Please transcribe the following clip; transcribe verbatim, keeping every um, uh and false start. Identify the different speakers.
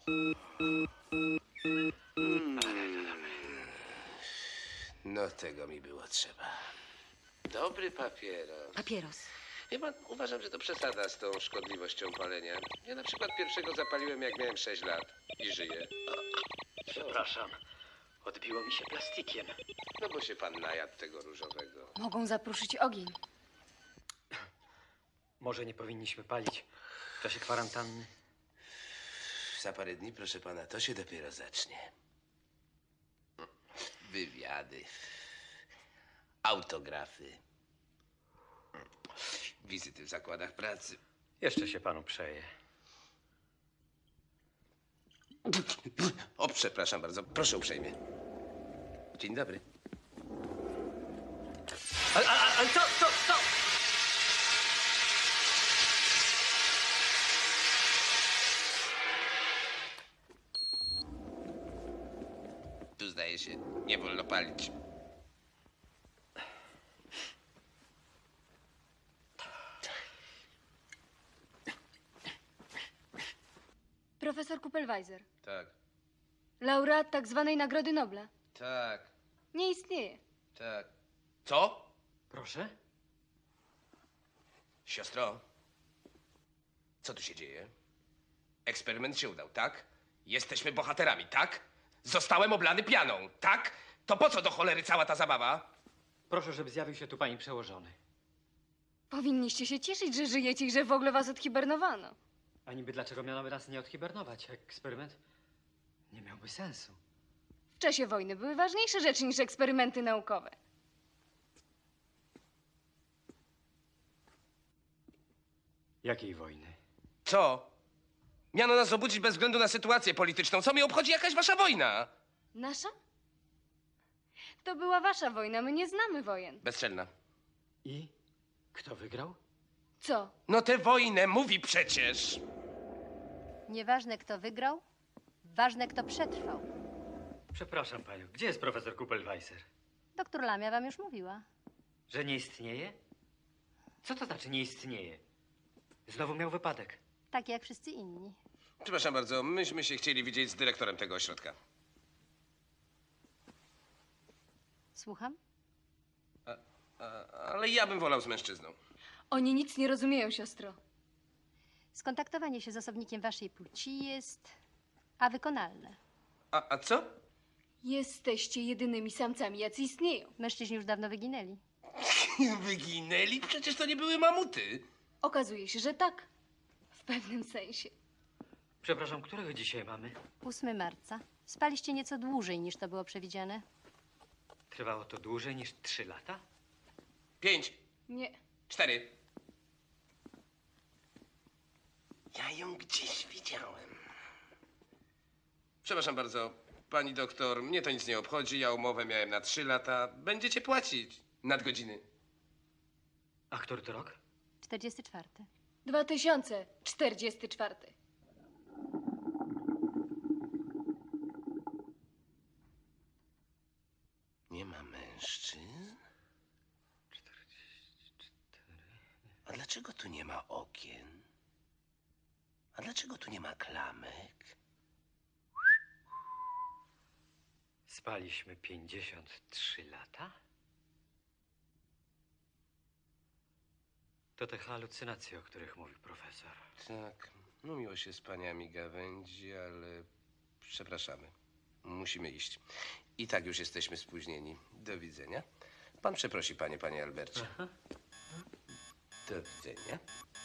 Speaker 1: No tego mi było trzeba. Dobry papieros.
Speaker 2: Papieros.
Speaker 1: Wie pan, uważam, że to przesada z tą szkodliwością palenia. Ja na przykład pierwszego zapaliłem, jak miałem sześć lat i żyję.
Speaker 3: Przepraszam, odbiło mi się plastikiem.
Speaker 1: No bo się pan najadł tego różowego.
Speaker 2: Mogą zapruszyć ogień.
Speaker 3: Może nie powinniśmy palić w czasie kwarantanny?
Speaker 1: Za parę dni, proszę pana, to się dopiero zacznie. Wywiady, autografy, wizyty w zakładach pracy.
Speaker 3: Jeszcze się panu przeje.
Speaker 1: O, przepraszam bardzo, proszę uprzejmie. Dzień dobry.
Speaker 3: Ale, ale, ale co, co, co?
Speaker 1: Tu zdaje się, nie wolno palić.
Speaker 2: Profesor Kupelweiser.
Speaker 1: Tak,
Speaker 2: Laureat tak zwanej Nagrody Nobla.
Speaker 1: tak,
Speaker 2: Nie istnieje.
Speaker 1: tak. Co?
Speaker 3: Proszę?
Speaker 1: Siostro, co tu się dzieje? Eksperyment się udał, tak? Jesteśmy bohaterami, tak? Zostałem oblany pianą, tak? To po co do cholery cała ta zabawa?
Speaker 3: Proszę, żeby zjawił się tu pani przełożony.
Speaker 2: Powinniście się cieszyć, że żyjecie i że w ogóle was odhibernowano.
Speaker 3: A niby dlaczego mianoby nas nie odhibernować? Eksperyment nie miałby sensu.
Speaker 2: W czasie wojny były ważniejsze rzeczy niż eksperymenty naukowe.
Speaker 3: Jakiej wojny?
Speaker 1: Co? Miano nas obudzić bez względu na sytuację polityczną. Co mnie obchodzi jakaś wasza wojna?
Speaker 2: Nasza? To była wasza wojna, my nie znamy wojen.
Speaker 1: Bezczelna.
Speaker 3: I kto wygrał?
Speaker 2: Co?
Speaker 1: No tę wojnę mówi przecież.
Speaker 4: Nieważne, kto wygrał, ważne, kto przetrwał.
Speaker 3: Przepraszam panią, gdzie jest profesor Kupelweiser?
Speaker 4: Doktor Lamia wam już mówiła.
Speaker 3: Że nie istnieje? Co to znaczy nie istnieje? Znowu miał wypadek.
Speaker 4: Tak jak wszyscy inni.
Speaker 1: Przepraszam bardzo, myśmy się chcieli widzieć z dyrektorem tego ośrodka.
Speaker 4: Słucham?
Speaker 1: A, ale ja bym wolał z mężczyzną.
Speaker 2: Oni nic nie rozumieją, siostro.
Speaker 4: Skontaktowanie się z osobnikiem waszej płci jest... a wykonalne.
Speaker 1: A, a co?
Speaker 2: Jesteście jedynymi samcami, jacy istnieją.
Speaker 4: Mężczyźni już dawno wyginęli.
Speaker 1: Wyginęli? Przecież to nie były mamuty.
Speaker 2: Okazuje się, że tak. W pewnym sensie.
Speaker 3: Przepraszam, którego dzisiaj mamy?
Speaker 4: ósmego marca. Spaliście nieco dłużej niż to było przewidziane.
Speaker 3: Trwało to dłużej niż trzy lata?
Speaker 1: Pięć,
Speaker 2: Nie.
Speaker 1: cztery. Ja ją gdzieś widziałem. Przepraszam bardzo, pani doktor, mnie to nic nie obchodzi. Ja umowę miałem na trzy lata. Będziecie płacić nadgodziny.
Speaker 3: A który to rok?
Speaker 4: czterdziesty czwarty.
Speaker 2: dwa tysiące czterdziesty czwarty.
Speaker 1: Nie ma mężczyzn? A dlaczego tu nie ma okien? A dlaczego tu nie ma klamek?
Speaker 3: Spaliśmy pięćdziesiąt trzy lata? To te halucynacje, o których mówił profesor.
Speaker 1: Tak, no miło się z paniami gawędzi, ale przepraszamy. Musimy iść. I tak już jesteśmy spóźnieni. Do widzenia. Pan przeprosi panie, panie Albercie.
Speaker 3: Aha.
Speaker 1: Do widzenia.